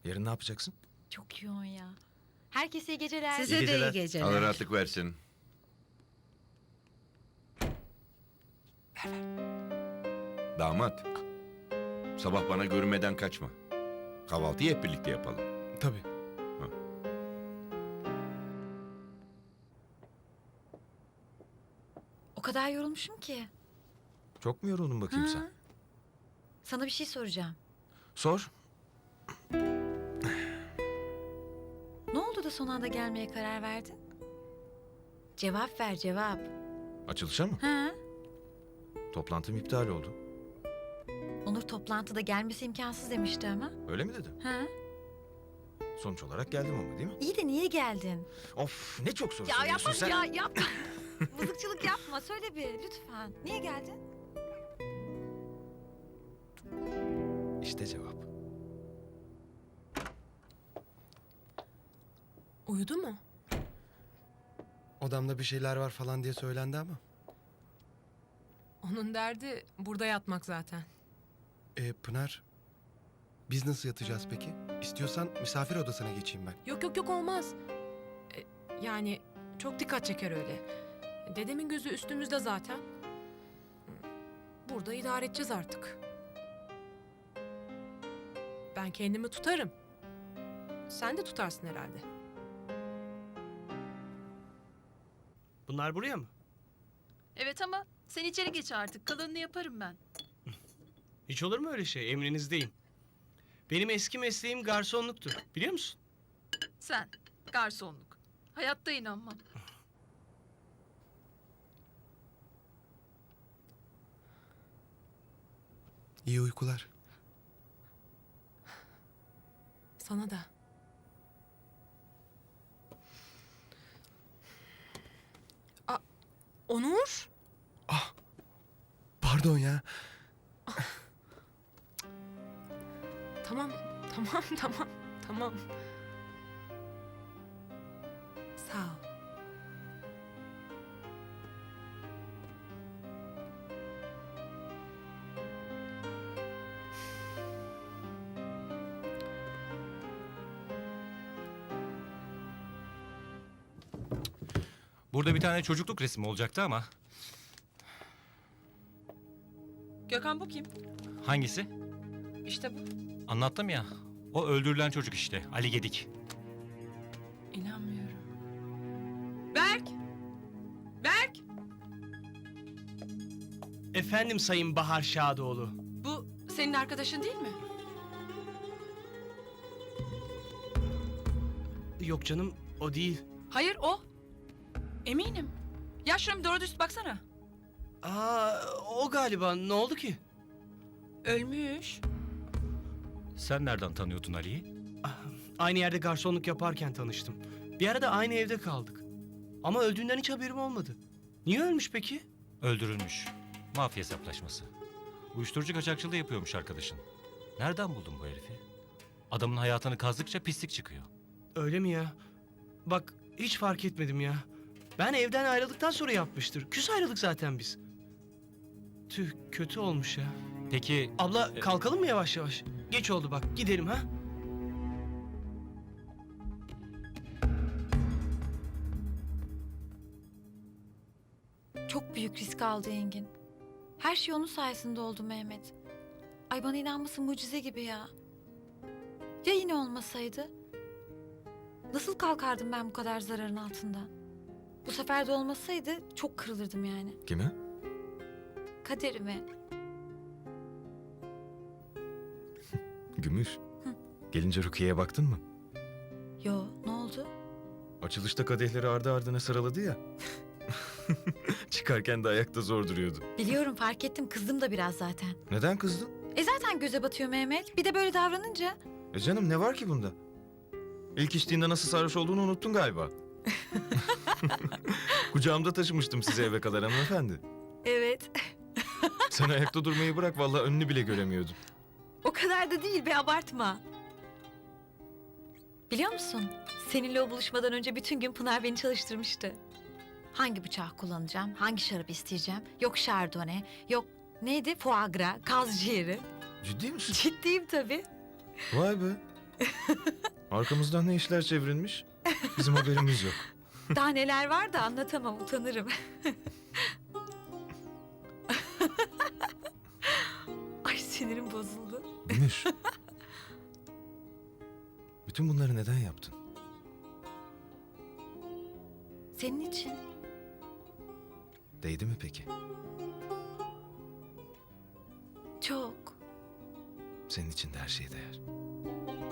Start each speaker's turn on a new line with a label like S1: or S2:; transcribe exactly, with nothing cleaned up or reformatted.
S1: Yarın ne yapacaksın?
S2: Çok yoğun ya. Herkese iyi geceler.
S3: Size
S1: İyi
S3: de
S1: geceler.
S3: iyi geceler.
S4: Allah rahatlık versin. Damat. Sabah bana görünmeden kaçma. Kahvaltıyı hep birlikte yapalım.
S1: Tabii.
S2: O kadar yorulmuşum ki.
S1: Çok mu yoruldun bakayım
S2: Hı.
S1: sen?
S2: Sana bir şey soracağım.
S1: Sor.
S2: Ne oldu da son anda gelmeye karar verdin? Cevap ver, cevap.
S1: Açılışa mı?
S2: Ha?
S1: Toplantım iptal oldu.
S2: Onur toplantıda gelmesi imkansız demişti ama.
S1: Öyle mi dedi?
S2: Ha?
S1: Sonuç olarak geldim ama değil mi?
S2: İyi de niye geldin?
S1: Of ne çok soru
S2: Ya
S1: soruyorsun
S2: yapma
S1: sen.
S2: ya yapma. Mızıkçılık yapma. Söyle bir lütfen. Niye geldin?
S1: İşte cevap.
S3: Uyudu mu?
S5: Odamda bir şeyler var falan diye söylendi ama.
S3: Onun derdi burada yatmak zaten.
S5: E, Pınar, biz nasıl yatacağız peki? İstiyorsan misafir odasına geçeyim ben.
S3: Yok yok yok olmaz. E, yani çok dikkat çeker öyle. Dedemin gözü üstümüzde zaten. Burada idare edeceğiz artık. Ben kendimi tutarım. Sen de tutarsın herhalde.
S6: Bunlar buraya mı?
S7: Evet ama sen içeri geç artık. Kalanını yaparım ben.
S6: Hiç olur mu öyle şey? Emrinizdeyim. Benim eski mesleğim garsonluktu. Biliyor musun?
S7: Sen, garsonluk. Hayatta inanmam.
S5: İyi uykular.
S3: Sana da. Aa, Onur?
S5: Pardon ya.
S3: Tamam, tamam, tamam, tamam. Sağ ol.
S8: Burada bir tane çocukluk resmi olacaktı ama.
S7: Gökhan bu kim?
S8: Hangisi?
S7: İşte bu.
S8: Anlattım ya. O öldürülen çocuk işte. Ali Gedik.
S7: İnanmıyorum. Berk! Berk!
S6: Efendim Sayın Bahar Şadoğlu.
S7: Bu senin arkadaşın değil mi?
S6: Yok canım, o değil.
S7: Hayır o. Eminim. Ya şuna bir doğru düz baksana.
S6: Aa, o galiba. Ne oldu ki?
S7: Ölmüş.
S8: Sen nereden tanıyordun Ali'yi?
S6: Ah, aynı yerde garsonluk yaparken tanıştım. Bir arada aynı evde kaldık. Ama öldüğünden hiç haberim olmadı. Niye ölmüş peki?
S8: Öldürülmüş. Mafya hesaplaşması. Uyuşturucu kaçakçılığı yapıyormuş arkadaşın. Nereden buldun bu herifi? Adamın hayatını kazdıkça pislik çıkıyor.
S6: Öyle mi ya? Bak hiç fark etmedim ya. Ben evden ayrıldıktan sonra yapmıştır. Küs ayrıldık zaten biz. Tüh, kötü olmuş ya.
S8: Peki
S6: Abla
S8: E-
S6: kalkalım mı yavaş yavaş? Geç oldu bak, gidelim ha.
S2: Çok büyük risk aldı Engin. Her şey onun sayesinde oldu Mehmet. Ay bana inanması mucize gibi ya. Ya yine olmasaydı? Nasıl kalkardım ben bu kadar zararın altından? Bu sefer de olmasaydı çok kırılırdım yani.
S1: Kime?
S2: Kaderime.
S1: Gümüş. Gelince Rukiye'ye baktın mı?
S2: Yo, ne oldu?
S1: Açılışta kadehleri ardı ardına sıraladı ya. Çıkarken de ayakta zor duruyordu.
S2: Biliyorum, fark ettim, kızdım da biraz zaten.
S1: Neden kızdın?
S2: E zaten göze batıyor Mehmet. Bir de böyle davranınca.
S1: E canım ne var ki bunda? İlk içtiğinde nasıl sarhoş olduğunu unuttun galiba. Kucağımda taşımıştım sizi eve kadar hanımefendi.
S2: Evet.
S1: Sen ayakta durmayı bırak, vallahi önünü bile göremiyordum.
S2: O kadar da değil be, abartma. Biliyor musun? Seninle o buluşmadan önce bütün gün Pınar beni çalıştırmıştı. Hangi bıçağı kullanacağım, hangi şarap isteyeceğim, yok şardone, yok neydi, foie gras, kaz ciğeri.
S1: Ciddi misin?
S2: Ciddiyim tabii.
S1: Vay be. Arkamızdan ne işler çevrilmiş? Bizim haberimiz yok.
S2: Daha neler var da anlatamam, utanırım. Ay sinirim bozuldu.
S1: Gümüş. Bütün bunları neden yaptın?
S2: Senin için.
S1: Değdi mi peki?
S2: Çok.
S1: Senin için de her şey değer.